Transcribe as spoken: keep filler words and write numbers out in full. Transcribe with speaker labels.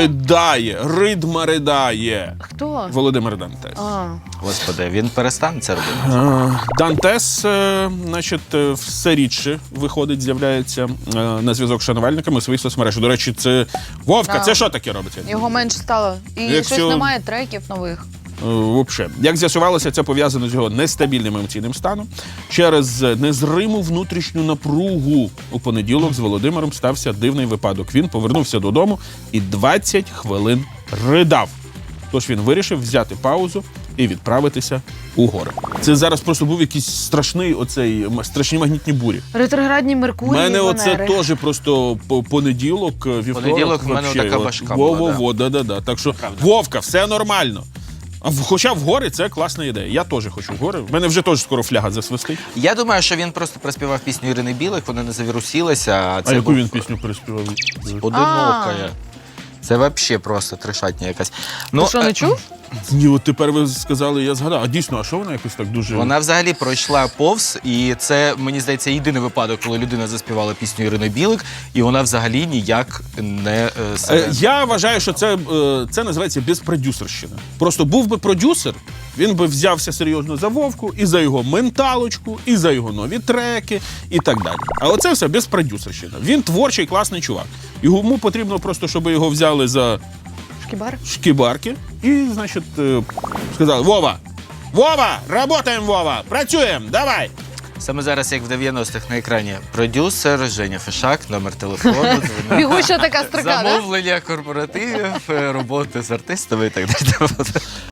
Speaker 1: ридає, ридма ридає.
Speaker 2: Хто?
Speaker 1: Володимир Дантес.
Speaker 2: А.
Speaker 3: Господи, він перестане це робити.
Speaker 1: Е, Дантес, е, значить, е, все рідше виходить, з'являється е, на зв'язок з шанувальниками у своїх соцмережах. До речі, це Вовка,
Speaker 2: Да.
Speaker 1: це що таке робиться?
Speaker 2: Його менше стало. І
Speaker 1: Якщо-
Speaker 2: щось немає треків нових.
Speaker 1: Вообще. Як з'ясувалося, це пов'язано з його нестабільним емоційним станом. Через незриму внутрішню напругу у понеділок з Володимиром стався дивний випадок. Він повернувся додому і двадцять хвилин ридав. Тож він вирішив взяти паузу і відправитися у гори. Це зараз просто був якийсь страшний оцей страшні магнітні бурі.
Speaker 2: Ретроградні Меркурій,
Speaker 1: У мене оце
Speaker 2: Венери.
Speaker 1: теж просто по- понеділок, вівторок.
Speaker 3: Понеділок в мене
Speaker 1: вообще,
Speaker 3: така
Speaker 1: от,
Speaker 3: важка
Speaker 1: во,
Speaker 3: була,
Speaker 1: во, во, да, да, да. Так що, Вовка, все нормально. А в- Хоча в гори це класна ідея. Я теж хочу в гори. В мене вже теж скоро фляга засвистить.
Speaker 3: Я думаю, що він просто проспівав пісню Ірини Білик, вона не завірусилася. А, це
Speaker 1: А яку
Speaker 3: був
Speaker 1: він пісню переспівав?
Speaker 3: «Одинокая». Це взагалі просто трешатня якась. Ну,
Speaker 2: Ти що,
Speaker 3: е,
Speaker 2: не чув?
Speaker 1: Ні, от тепер ви сказали, я згадав. А дійсно, а що вона якось так дуже...
Speaker 3: Вона взагалі пройшла повз, і це, мені здається, єдиний випадок, коли людина заспівала пісню Ірини Білик, і вона взагалі ніяк не е, себе...
Speaker 1: Е, Я вважаю, що це, е, це називається безпродюсерщина. Просто був би продюсер, він би взявся серйозно за Вовку, і за його менталочку, і за його нові треки, і так далі. А оце все безпродюсерщина. Він творчий, класний чувак. Йому потрібно просто, щоб його взяли за
Speaker 2: Шкібар?
Speaker 1: шкібарки і, значить, е, сказали: Вова! Вова! Работаємо, Вова! Працюємо! Давай!
Speaker 3: Саме зараз, як в дев'яностих на екрані, продюсер Женя Фишак, номер телефону, дзвонок.
Speaker 2: Бігуща така строка, да?
Speaker 3: Замовлення корпоративів, роботи з артистами і так далі.